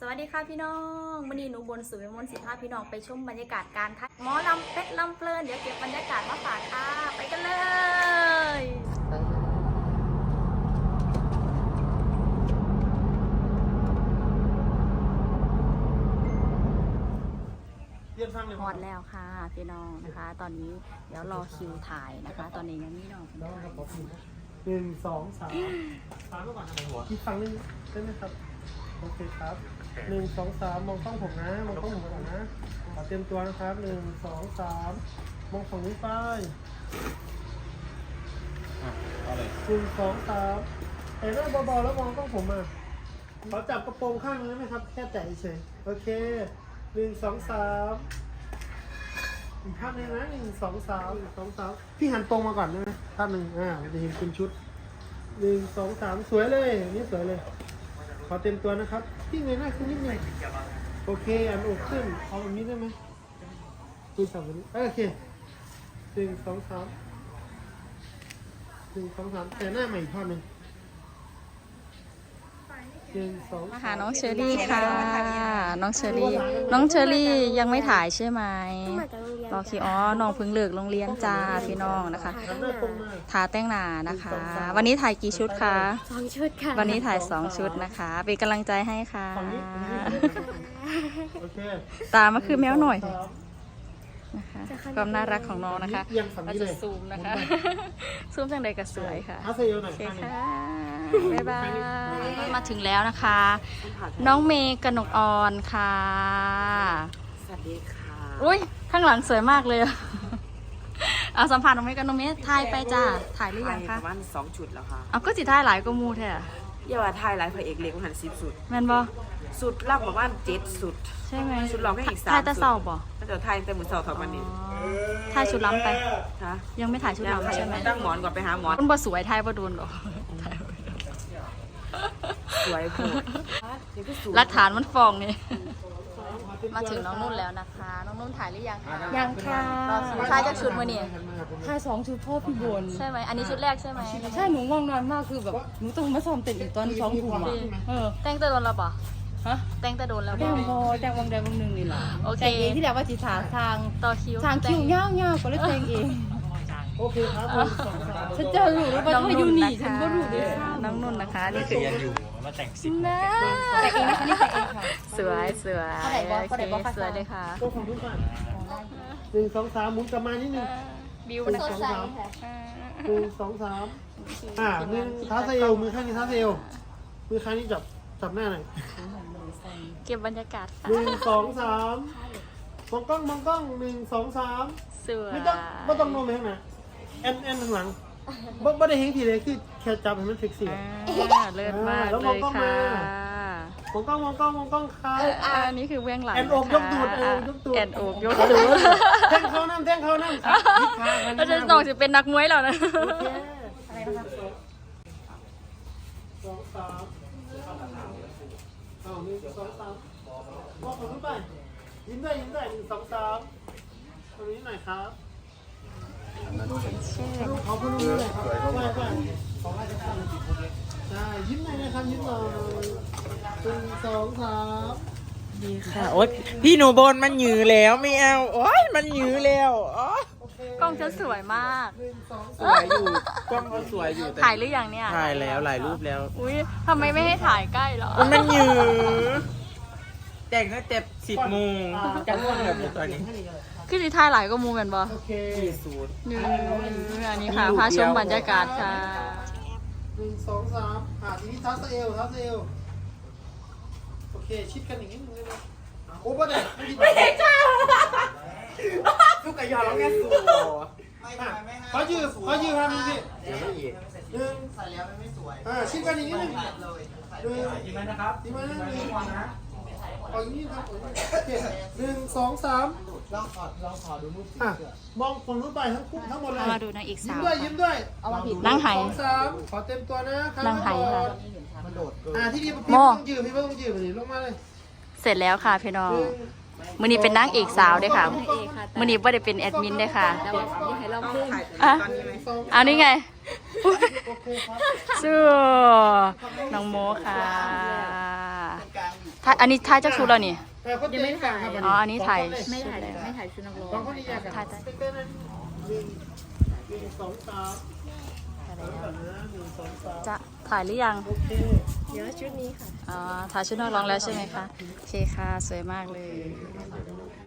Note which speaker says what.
Speaker 1: สวัสดีค่ะพี่น้องวันนี้หนูบนสุวิมลศิภาพี่น้องไปชมบรรยากาศการทักหมอลำเพชรลำเพลินเดี๋ยวเก็บบรรยากาศมาฝากค่ะไปกันเลยฮอดแล้วค่ะพี่น้องนะคะ ตอนนี้เดี๋ยวรอคิวถ่ายนะคะ ตอนนี้ยังไม่น้อง
Speaker 2: 1 2 3ก่อนอีกฝั่งนึงได้ไหมครับโอเคครับ1 2 3มองกล้องผมนะมองกล้องผมก่อนนะเตรียมตัวนะครับ1 2 3มองฝั่งนี้ไปเอาเลย1 2 3แต่หน้าเบาๆแล้วมองกล้องผมมาขอจับกระโปรงข้างนึงได้ไหมครับแค่แตะเฉยโอเค1 2 3อีกภาพนึงนะ1 2 3 1 2 3พี่หันตรงมาก่อนได้ไหมภาพหนึ่งจะเห็นเป็นชุด1 2 3สวยเลยนี่สวยเลยขอเต็มตัวนะครับพี่เงยหน้าขึ้นนิดนึงโอเคอันอกขึ้นเอาแบบนี้ได้ไหมดูสามแบบนี้โอเค1 2 3 1 2 3แต่หน้าใหม่อีกภาพหนึ่ง1 2
Speaker 1: มาหาน้องเชอรี่ค่ะน้องเชอรี่ยังไม่ถ่ายใช่ไหมรอคิวอ๋อน้องเพิ่งเลิกโรงเรียนจ้าพี่น้องนะคะทาแต่งหน้านะคะ วันนี้ถ่ายกี่ชุดคะ
Speaker 3: 2 ชุดค่ะ
Speaker 1: วันนี้ถ่าย2 ชุดนะคะเป็นกำลังใจให้ค่ะตามาคือแมวหน่อยนะคะความน่ารักของน้องนะคะเราจะซูมนะคะซูมจังใดก็สวยค่ะโอเคค่ะบ๊ายบายมาถึงแล้วนะคะ น้องเมย์กนกออนค่ะ
Speaker 4: สวัสดีค่ะ
Speaker 1: อุ้ยข้างหลังสวยมากเลยเอาสัมผัสน้องเมย์กับน้องเมย์ถ่ายไปจ้าถ่ายหรือยังคะ
Speaker 4: ประมาณ2 ชุดแล้วค่ะ
Speaker 1: เอาก็สิถ่ายหลายก็มูแท้
Speaker 4: อย่าว่าถ่ายหลายพระเอกเล็กมัน10 สุด
Speaker 1: แม่นบ่
Speaker 4: สุดล่างประมาณ7 สุด
Speaker 1: ใช่ไหม
Speaker 4: ชุดร้องแค่อีก3
Speaker 1: ถ่ายแต่เศร้าบ่
Speaker 4: ก็จะถ่ายแต่มื้อเช้าเท่านี้
Speaker 1: ถ่ายชุดล้ำไป
Speaker 4: ฮะ
Speaker 1: ยังไม่ถ่ายชุดล้ำใช่ไหม
Speaker 4: ตั้งหมอนก่อนไปหาหมอน
Speaker 1: มันบ่สวยถ่ายบ่โดนหรอก
Speaker 4: สวยโผล่
Speaker 1: หลักฐานมันฟ้องนี่มาถึงน้องนุ่นแล้วนะคะน้องนุ่นถ่ายหรือยังคะ
Speaker 3: ยังค่ะ
Speaker 1: ถ่ายจากชุดมื้อนี้
Speaker 3: ถ่าย2 ชุดพ่อพี่บน
Speaker 1: ใช่ไหมอันนี้ชุดแรกใช่ไหม
Speaker 3: ใช่หนูง่วงนอนมากคือแบบหนูต้องมาซ้อมเต้นอีกตอน2 ทุ่ม
Speaker 1: แต่งแต่โดนแล้วป่ะ
Speaker 3: ฮะ
Speaker 1: แต่งแต่โดนแล้ว
Speaker 3: แต่งพอแต่งวงใดวงหนึ่งนี่แหละ
Speaker 1: โอเค
Speaker 3: แต่งเองที่แล้วว่าจิตทาง
Speaker 1: ต่อคิว
Speaker 3: ทางคิวยาวๆก็เลยแต่งเอง
Speaker 2: โอเคครับ
Speaker 3: ฉันเจอหนูแล้วว่าเธออยู่นี่ฉันก็รู้ด้วย
Speaker 1: น้องนุ่นนะคะนี่คือ
Speaker 5: ยังอยู่มาแต่ง10
Speaker 1: นะ
Speaker 3: แต่งเองนะคะนี่แต่งเองค่ะ
Speaker 1: สวยโอเคสวยเลยค่ะ
Speaker 2: ตัวของทุกคน1 2 3หมุนกลับมานิดนึง
Speaker 1: บิวนะคะ
Speaker 2: 1 2 31ท้าเซลมือข้างนี้ท้าเซลมือข้างนี้จับหน้าหน่อย
Speaker 1: เก็บบรรยากาศค่ะ
Speaker 2: 1 2 3มองกล้อง1 2 3
Speaker 1: สวย
Speaker 2: ไม่ต้องโน้มไปข้างหน้าแอนข้างหลังไม่ได้เห็นทีเลยคือแค่จับให้มันเซ็กซี่
Speaker 1: เลิศมากเลยค่ะ
Speaker 2: มองกล้องค่ะ
Speaker 1: อันนี้คือเบื้องหลัง
Speaker 2: แอนอกยกตูด
Speaker 1: แอนอกยกตูด
Speaker 2: แท่งเขาน้ำครับ
Speaker 1: เราจะน้องจะเป็นนักมวยแล้วนะ
Speaker 2: โอเคอะไรนะครับ2 3เอา1 2 3มองผมขึ้นไปยิ้มได้1 2 3ตรงนี้หน่อยครับขอบคุณด้วยครับไปขอให้ทุกท่านใช่ยิ้มหน่อยนะครับยิ้มหน่อย1 2 3
Speaker 4: ดีค่ะโอ๊ยพี่หนูบนมันหยือแล้วไม่เอาโอ๊ยมันหยือแล้ว
Speaker 1: กล้องจะสวยมาก
Speaker 4: สวยอยู่กล้องก็สวยอยู่
Speaker 1: ถ่ายหรือยังเนี่ย
Speaker 4: ถ่ายแล้วหลายรูปแล้ว
Speaker 1: อุ้ยทำไมไม่ให้ถ่ายใกล้หรอ
Speaker 4: มันหยือแต่งตั้งแต่10 โมงจะง่วงแบบตอนนี้
Speaker 1: คือสิถ่ายหลายก็มูเหมือนบ่
Speaker 2: โอเค
Speaker 1: อันนี้ค่ะพาชมบรรยากาศค่ะ
Speaker 2: 1 2 3ทีนี้ทัสเอลโอเคชิดกันอย่างนี้นึงเลยนะโอ้ป่ะเนี่ยไม่ได้จ้า
Speaker 4: ลูกกระยอแล้วแกสู
Speaker 2: เขายืมทำนี่สิ
Speaker 4: เดี๋ยวไม่อีก
Speaker 2: ใส่แล้วไม่สวยชิดกันอย่างนี้นึง
Speaker 5: ดีไหมนะครับ
Speaker 2: ดีไหมนะเอาอย่างนี้ครับโอเค1 2 3ลองขอดูรูปมองคนรูปไปทั้งหมดเลย
Speaker 1: มาดูนางอีกสาว
Speaker 2: ยิ้มด้วย
Speaker 1: นั่งไห้
Speaker 2: 2 3ขอเต็มตัวนะ
Speaker 1: นั่งไห้ค่ะ
Speaker 2: ที่นี่พี่ต้องยืมลงมาเลย
Speaker 1: เสร็จแล้วค่ะพี่น้องมื้อนี้เป็นนางเอกสาวด้วยค่ะมื้อนี้ไม่ได้เป็นแอดมินด้วยค่ะเอานี่ไงสู้น้องโมค่ะถ่อันนี้ถ่ายจากชุดแล้วนี่
Speaker 2: ยังไม่ถ่าย
Speaker 1: อ๋ออันนี้ถ่าย
Speaker 3: ไม่ถ่ายไม่ถ่ายชุดนักร้อง
Speaker 2: สองคนนี้อยากถ่ายสติ๊กเกอร์นั้นหนึ่งสองสามหนึ่งสองสาม
Speaker 1: จะถ่ายหรือยัง
Speaker 2: โอเค
Speaker 3: เดี๋ยวชุดนี้ค่ะ
Speaker 1: อ๋อถ่ายชุดนักร้องแล้วใช่ไหมคะโอเคค่ะสวยมากเลย